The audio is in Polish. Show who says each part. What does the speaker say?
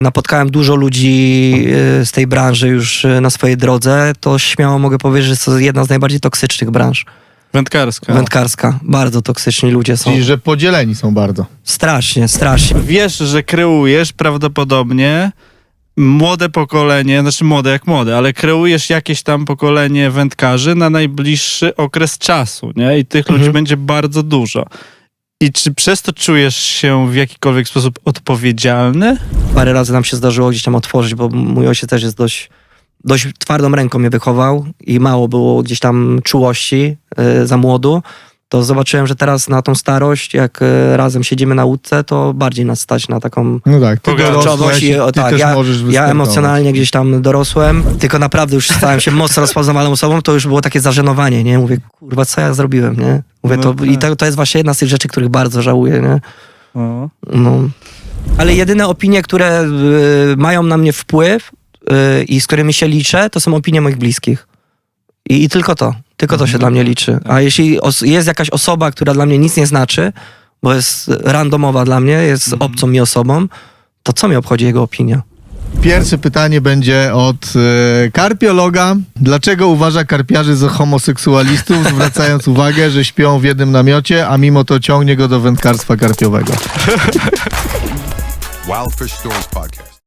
Speaker 1: napotkałem dużo ludzi z tej branży już na swojej drodze, to śmiało mogę powiedzieć, że jest to jedna z najbardziej toksycznych branż.
Speaker 2: Wędkarska.
Speaker 1: Wędkarska. Bardzo toksyczni ludzie są.
Speaker 3: Czyli, że podzieleni są bardzo.
Speaker 1: Strasznie, strasznie.
Speaker 2: Wiesz, że kreujesz prawdopodobnie młode pokolenie, znaczy młode jak młode, ale kreujesz jakieś tam pokolenie wędkarzy na najbliższy okres czasu, nie? I tych ludzi będzie bardzo dużo. I czy przez to czujesz się w jakikolwiek sposób odpowiedzialny?
Speaker 1: Parę razy nam się zdarzyło gdzieś tam otworzyć, bo mój ojciec też jest dość twardą ręką mnie wychował i mało było gdzieś tam czułości za młodu. To zobaczyłem, że teraz na tą starość, jak razem siedzimy na łódce, to bardziej nas stać na taką
Speaker 3: No tak, ty
Speaker 2: Pogarczowość
Speaker 3: dorosłeś,
Speaker 1: i
Speaker 3: ty
Speaker 1: tak,
Speaker 3: też
Speaker 1: ja
Speaker 3: możesz wystartować.
Speaker 1: emocjonalnie gdzieś tam dorosłem, tylko naprawdę już stałem się mocno rozpoznawalną osobą, to już było takie zażenowanie, nie? Mówię, kurwa, co ja zrobiłem, nie? Mówię,
Speaker 2: No tak.
Speaker 1: i to jest właśnie jedna z tych rzeczy, których bardzo żałuję, nie?
Speaker 2: O.
Speaker 1: No. Ale jedyne opinie, które mają na mnie wpływ i z którymi się liczę, to są opinie moich bliskich. I tylko to. Tylko to się dla mnie liczy. A jeśli jest jakaś osoba, która dla mnie nic nie znaczy, bo jest randomowa dla mnie, jest obcą mi osobą, to co mi obchodzi jego opinia?
Speaker 3: Pierwsze pytanie będzie od karpiologa. Dlaczego uważa karpiarzy za homoseksualistów, zwracając uwagę, że śpią w jednym namiocie, a mimo to ciągnie go do wędkarstwa karpiowego?
Speaker 4: Wild Fish Stories Podcast.